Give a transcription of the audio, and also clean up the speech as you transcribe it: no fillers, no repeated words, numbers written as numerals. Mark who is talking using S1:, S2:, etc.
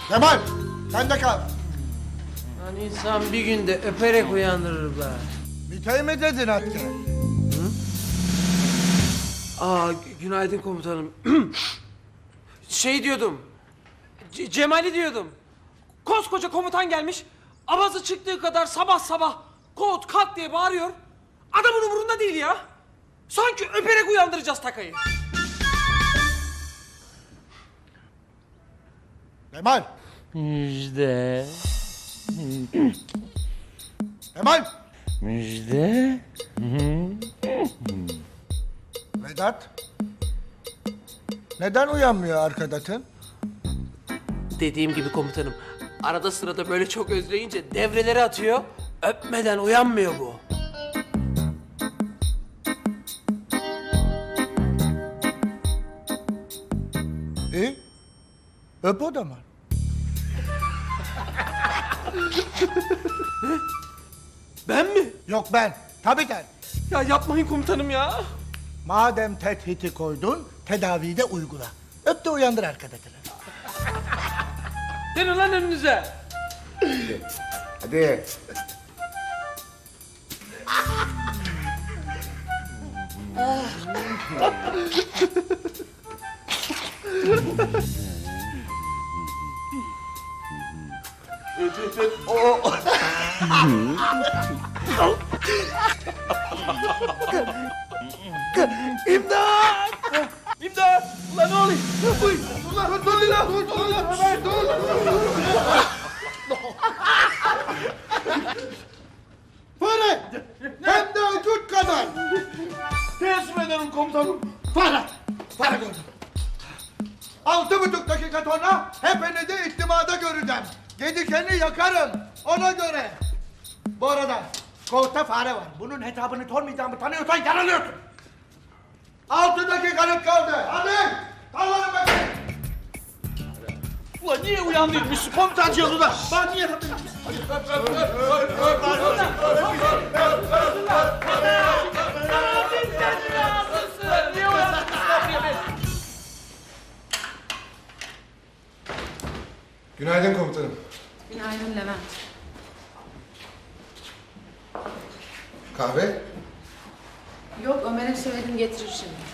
S1: Kemal, sen de kal.
S2: Lan insan bir günde öperek uyandırır be.
S1: Mita'yı mı dedin hatta?
S2: Günaydın komutanım. Şey diyordum. Cemal'i diyordum. Koskoca komutan gelmiş. Avazı çıktığı kadar sabah sabah kod kalk diye bağırıyor. Adamın umurunda değil ya. Sanki öperek uyandıracağız takayı.
S1: Kemal,
S2: Müjde.
S1: Kemal.
S2: Müjde.
S1: Vedat. Neden uyanmıyor arkadaşın?
S2: Dediğim gibi komutanım. Arada sırada böyle çok özleyince devreleri atıyor. Öpmeden uyanmıyor bu.
S1: İyi. Öp o zaman.
S2: Ben mi?
S1: Yok ben. Tabii sen.
S2: Ya yapmayın komutanım ya.
S1: Madem tethiti koydun, tedaviyi de uygula. Öp de uyandır arkadaşını.
S2: Dönün lan önünüze.
S1: Hadi.
S2: İmdat! İmdat! Ulan ne oluyor? Uy!
S1: Ulan dur lan, dur lan, Ömer dur. Fare! Hem de öküt kadar.
S3: Teessüf ederim komutanım.
S1: Fare! Fare gördüm. 6,5 dakika sonra hepinizi ihtimada göreceğim. Gedikeni yakarım. Ona göre. Bu arada kovukta fare var. Bunun hesabını sormayacağımı tanıyorsan yanılıyorsun. 6 dakikanız kaldı. Hadi! Kallanın bakayım.
S3: Ulan niye uyandırmışsın komutancığını da? Ben niye
S4: Günaydın komutanım.
S5: Günaydın Levent.
S4: Kahve?
S5: Yok Ömer'e söyledim getirir şimdi.